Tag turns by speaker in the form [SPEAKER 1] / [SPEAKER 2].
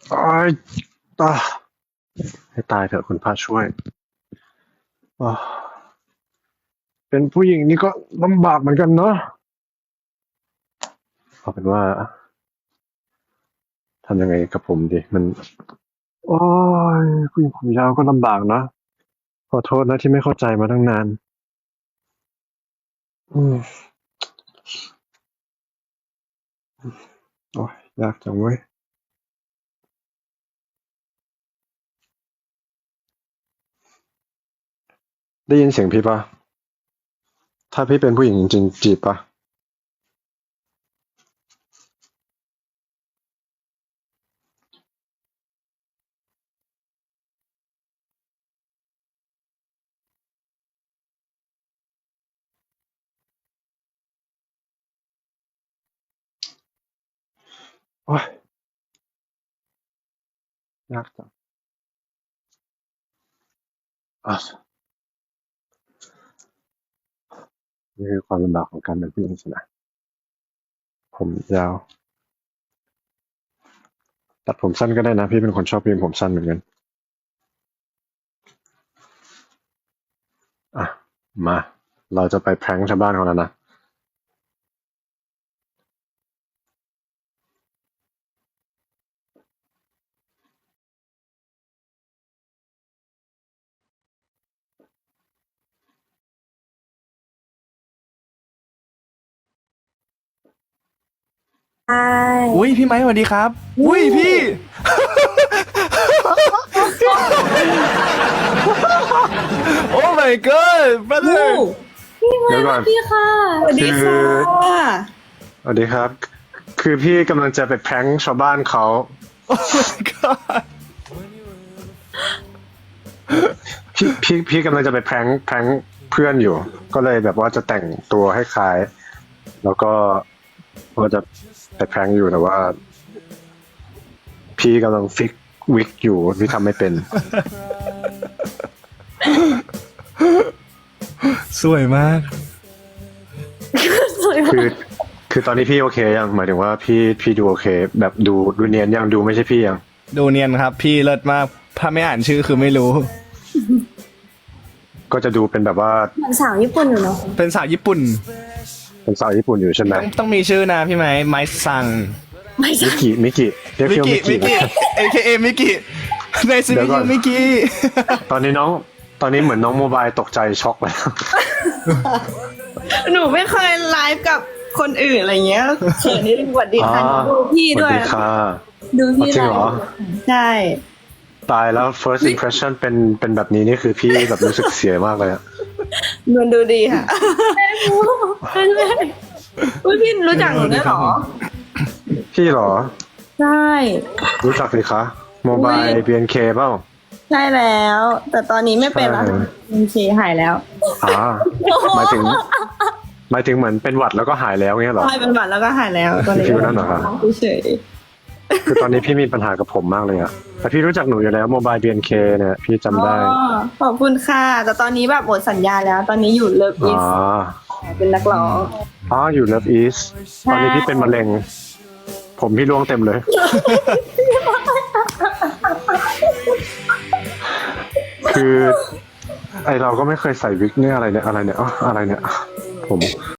[SPEAKER 1] ตายตายให้ตายเถอะคุณพระช่วยอ้าวเป็นผู้หญิงนี่ก็ลำบากเหมือนกันเนาะเอาเป็นว่าทำยังไงกับผมดีมันโอ้ยผู้หญิงผมยาวก็ลำบากเนาะขอโทษนะที่ไม่เข้าใจมาตั้งนานอืมโอ้ยยากจังเว้ยได้ยินเสียงพี่ปะถ้าพี่เป็นผู้หญิงจริงๆจีบปะโอ้ยยากจังอ่ะนี่คือความลำบากของการเป็นผู้หญิงสินะผมยาวตัดผมสั้นก็ได้นะพี่เป็นคนชอบผู้หญิงผมสั้นเหมือนกันอ่ะมาเราจะไปแพร้งชาวบ้านเขาแล้วนะ
[SPEAKER 2] ใช่
[SPEAKER 3] อุ้ยพี่ไม้สวัสดีครับอุ้ยพี่ โอ้ my god
[SPEAKER 2] ลู
[SPEAKER 3] brother
[SPEAKER 2] กพี่มา
[SPEAKER 1] เดี๋ยว
[SPEAKER 2] ส
[SPEAKER 1] ก่อ
[SPEAKER 2] วัน สดีค่ะสวัสดี
[SPEAKER 1] คือ
[SPEAKER 2] ค่ะ
[SPEAKER 1] สวัสดีครับ คือพี่กำลังจะไปแพร้งชาวบ้านเขา
[SPEAKER 3] โอ้ my god
[SPEAKER 1] พี่กำลังจะไปแพร้งเพื่อนอยู่ ก็เลยแบบว่าจะแต่งตัวให้คล้าย แล้วก็จะไปแพร้งอยู่แต่ว่า พี่กำลังฟิกวิกอยู่พี่ทำไม่เป็น
[SPEAKER 3] สวยมาก
[SPEAKER 2] สวย
[SPEAKER 1] คือคือตอนนี้พี่โอเคยังหมายถึงว่าพี่ดูโอเค แบบดูเนียนยังดูไม่ใช่พี่ยัง
[SPEAKER 3] ดูเนียนครับพี่เลิศมาก ถ้าไม่อ่านชื่อคือไม่รู้
[SPEAKER 1] ก็จะดูเป็นแบบว่า
[SPEAKER 2] เหมือนสาวญี่ปุ่นอยู่เนาะ
[SPEAKER 3] เป็นสาวญี่ปุ่น
[SPEAKER 1] เป็นสาวญี่ปุ่นอยู่ใช่ไหม
[SPEAKER 3] ต้องมีชื่อนะพี่ไม้ไม้ซัง
[SPEAKER 2] ไม่ใช่
[SPEAKER 1] มิกิเรียก
[SPEAKER 3] มิ
[SPEAKER 1] พี่ว่า
[SPEAKER 3] กิ
[SPEAKER 1] มิ
[SPEAKER 3] มิ
[SPEAKER 1] กิ
[SPEAKER 3] กิ AKA มิกิในซี
[SPEAKER 1] เดี๋
[SPEAKER 3] รี
[SPEAKER 1] ยวก่อน
[SPEAKER 3] ส์มิกิ
[SPEAKER 1] ตอนนี้เหมือนน้องโมบายตกใจช็อกแล้ว
[SPEAKER 2] หนูไม่เคยไลฟ์กับคนอื่นอะไรเงี้ยเขินนิดนึงสวัสดีค่ะ
[SPEAKER 1] อ๋อ
[SPEAKER 2] ดูพี่
[SPEAKER 1] ส
[SPEAKER 2] ด้
[SPEAKER 1] วั
[SPEAKER 2] ว
[SPEAKER 1] ส
[SPEAKER 2] ย
[SPEAKER 1] ดีค่ะ
[SPEAKER 2] ดูพี่
[SPEAKER 1] จริงเหรอ
[SPEAKER 2] ใช่
[SPEAKER 1] ตายแล้ว first impression เป็นแบบนี้นี่คือพี่แบบรู้สึกเสียมากเลยอะ
[SPEAKER 2] มันดูดีค่ะใช่อุ๊ยพี่รู้จักหนูด้วยเหรอ
[SPEAKER 1] พี่เหรอ
[SPEAKER 2] ใช่
[SPEAKER 1] รู้จักสิคะโมบาย BNK เปล่า
[SPEAKER 2] ใช่แล้ว แต่ตอนนี้ไม่เป็นแล้ว
[SPEAKER 1] ใช่
[SPEAKER 2] โอเคหายแล้ว
[SPEAKER 1] หมายถึงเหมือนเป็นหวัดแล้วก็หายแล้วเงี้ยเหรอ
[SPEAKER 2] ใช่เป็นหวัดแล้วก็หายแล้วตอนนี้
[SPEAKER 1] ฟิวนั่นเหรอครับ
[SPEAKER 2] เฉย
[SPEAKER 1] คือตอนนี้พี่มีปัญหากับผมมากเลยอะแต่พี่รู้จักหนูอยู่แล้วโมบาย BNK เนี่ยพี่จำได้
[SPEAKER 2] อ๋อขอบคุณค่ะ แต่ตอนนี้แบบหมดสัญญาแล้ว ตอนนี้อยู่เลิฟ
[SPEAKER 1] อ๋
[SPEAKER 2] อี
[SPEAKER 1] อ
[SPEAKER 2] สเป็นนักร้อง
[SPEAKER 1] อยู่ Love East ตอนนี้พี่เป็นมะเร็ง ผมพี่ร่วงเต็มเลย คือ ไอเราก็ไม่เคยใส่วิกเนี่ยอะไรเนี่ยอ๋ออะไรเนี่ยผม